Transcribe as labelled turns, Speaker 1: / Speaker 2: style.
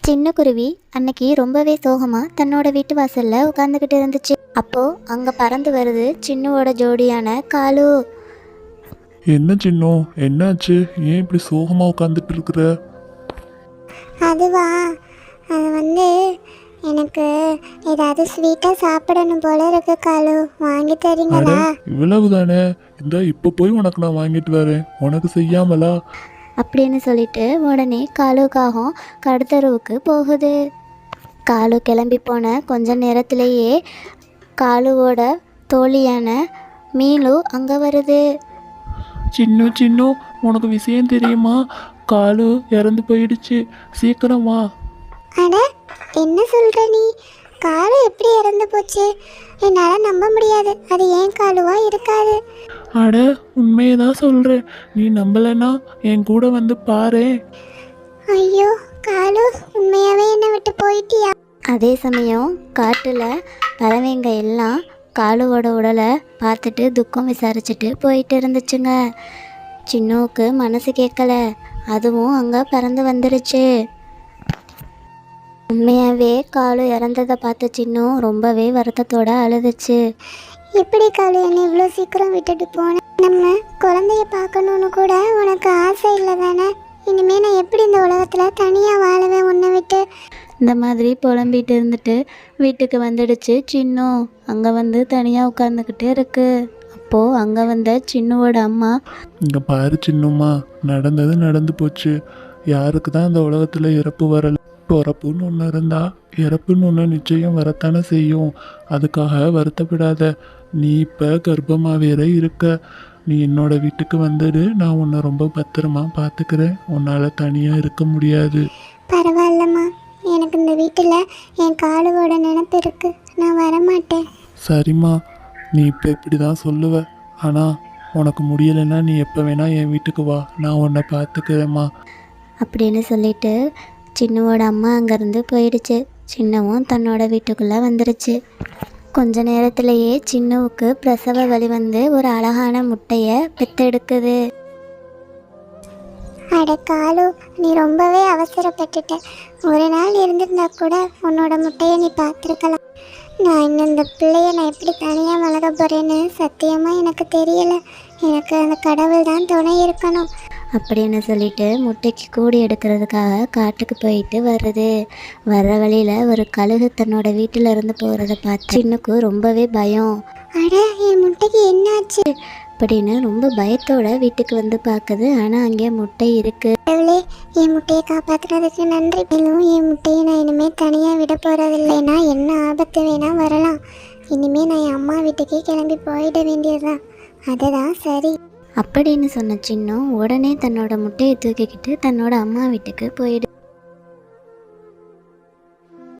Speaker 1: சின்ன குருவி அன்னைக்கு ரொம்பவே சோகமாக தன்னோட வீட்டு வாசலில் உட்காந்துக்கிட்டு இருந்துச்சு. அப்போது அங்கே பறந்து வருது சின்னுவோட ஜோடியான காலு.
Speaker 2: என்ன சின்னம், என்னாச்சு? ஏன் இப்படி சோகமாக உட்காந்துட்டு இருக்கிற?
Speaker 3: அதுவா, அது எனக்கு ஏதாவது ஸ்வீட்டாக சாப்பிடணும் போல இருக்கு காலு, வாங்கி தரீங்களா?
Speaker 2: இவ்வளவு தானே, இந்த இப்போ போய் உனக்கு நான் வாங்கிட்டு வரேன், உனக்கு செய்யாமலா
Speaker 1: அப்படின்னு சொல்லிட்டு உடனே காலுக்காகவும் கடத்தருவுக்கு போகுது. காலு கிளம்பி போன கொஞ்ச நேரத்திலேயே காலுவோட தோழியான மீனு அங்கே வருது.
Speaker 2: சின்னு, உனக்கு விஷயம் தெரியுமா? காலு இறந்து போயிடுச்சு, சீக்கிரம் வா.
Speaker 3: அட, என்ன சொல்கிற நீ? காலு எப்படி இறந்து போச்சு? என்னால் நம்ப முடியாது. அது ஏன் காலுவா இருக்காது?
Speaker 2: அட, உண்மையை தான் சொல்கிறேன். நீ நம்பலைன்னா என் கூட வந்து பாரு.
Speaker 3: ஐயோ காலு, உண்மையாகவே என்னை விட்டு போயிட்டியா?
Speaker 1: அதே சமயம் காட்டில் பறவைங்க எல்லாம் காலுவோட உடலை பார்த்துட்டு துக்கம் விசாரிச்சுட்டு போயிட்டு இருந்துச்சுங்க. சின்னுவுக்கு மனசு கேட்கல, அதுவும் அங்கே பறந்து வந்துருச்சு. உண்மையாகவே காலு இறந்ததை பார்த்த சின்னு ரொம்பவே வருத்தத்தோடு அழுதுச்சு.
Speaker 3: எப்படி காலு என்னை இவ்வளோ சீக்கிரம் விட்டுட்டு போனேன்? நம்ம குழந்தைய பார்க்கணுன்னு கூட உனக்கு ஆசை இல்லை தானே? இனிமேல் நான் எப்படி இந்த உலகத்தில் தனியாக வாழவேன் உன்னை விட்டு?
Speaker 1: இந்த மாதிரி புலம்பிட்டு இருந்துட்டு வீட்டுக்கு வந்துடுச்சு சின்னு. அங்கே வந்து தனியாக உட்காந்துக்கிட்டே இருக்கு. அப்போது அங்கே வந்த சின்னுவோட அம்மா,
Speaker 2: இங்கே பாரு சின்னம்மா, நடந்தது நடந்து போச்சு. யாருக்கு தான் இந்த உலகத்தில் இறப்பு வரல? பிறப்புன்னு ஒன்று இருந்தால் இறப்புன்னு ஒன்று நிச்சயம் வரத்தானே செய்யும். அதுக்காக வருத்தப்படாத. நீ இப்போ கர்ப்பமாக வேற இருக்க. நீ என்னோட வீட்டுக்கு வந்துடு, நான் உன்னை ரொம்ப பத்திரமா பார்த்துக்கிறேன். உன்னால் தனியாக இருக்க முடியாது.
Speaker 3: பரவாயில்லம்மா, எனக்கு இந்த வீட்டில் என் காலுவோட நினப்பு இருக்கு, நான் வரமாட்டேன்.
Speaker 2: சரிம்மா, நீ இப்போ இப்படி தான் சொல்லுவ. ஆனால் உனக்கு முடியலைன்னா நீ எப்போ வேணால் என் வீட்டுக்கு வா, நான் உன்னை பார்த்துக்கிறேம்மா
Speaker 1: அப்படின்னு சொல்லிட்டு சின்னுவோட அம்மா அங்கேருந்து போயிடுச்சு. சின்னவும் தன்னோட வீட்டுக்குள்ளே வந்துருச்சு. கொஞ்ச நேரத்திலேயே சின்னுவுக்கு பிரசவ வலி வந்து ஒரு அழகான முட்டையை பெத்தெடுக்குது.
Speaker 3: அட காலு, நீ ரொம்பவே அவசரப்பட்டுட்ட. ஒரு நாள் இருந்திருந்தா கூட உன்னோட முட்டையை நீ பார்த்துருக்கலாம். நான் இன்னும் இந்த பிள்ளைய நான் எப்படி தனியாக வளர்க்க போகிறேன்னு சத்தியமாக எனக்கு தெரியலை. எனக்கு அந்த கடவுள் தான் துணை இருக்கணும்
Speaker 1: அப்படின்னு சொல்லிட்டு முட்டைக்கு கூடி எடுக்கிறதுக்காக காட்டுக்கு போயிட்டு வருது. வர்ற வழியில் ஒரு கழுகு தன்னோட வீட்டில் இருந்து போகிறத பார்த்து சின்னுக்கு ரொம்பவே பயம்.
Speaker 3: அட, என் முட்டைக்கு என்னாச்சு
Speaker 1: அப்படின்னு ரொம்ப பயத்தோட வீட்டுக்கு வந்து பார்க்குது. ஆனால் அங்கே முட்டை இருக்குது.
Speaker 3: கடவுளே, என் முட்டையை காப்பாற்றுறதுக்கு நன்றி. மேலும் என் முட்டையை நான் இனிமேல் தனியாக விட போகிறதில்லைன்னா என்ன ஆபத்து வேணால் வரலாம். இனிமேல் நான் என் அம்மா வீட்டுக்கே கிளம்பி போயிட வேண்டியதுதான். அதுதான் சரி
Speaker 1: அப்படின்னு சொன்ன சின்னும் உடனே தன்னோட முட்டையை தூக்கிக்கிட்டு தன்னோட அம்மா வீட்டுக்கு போயிடு.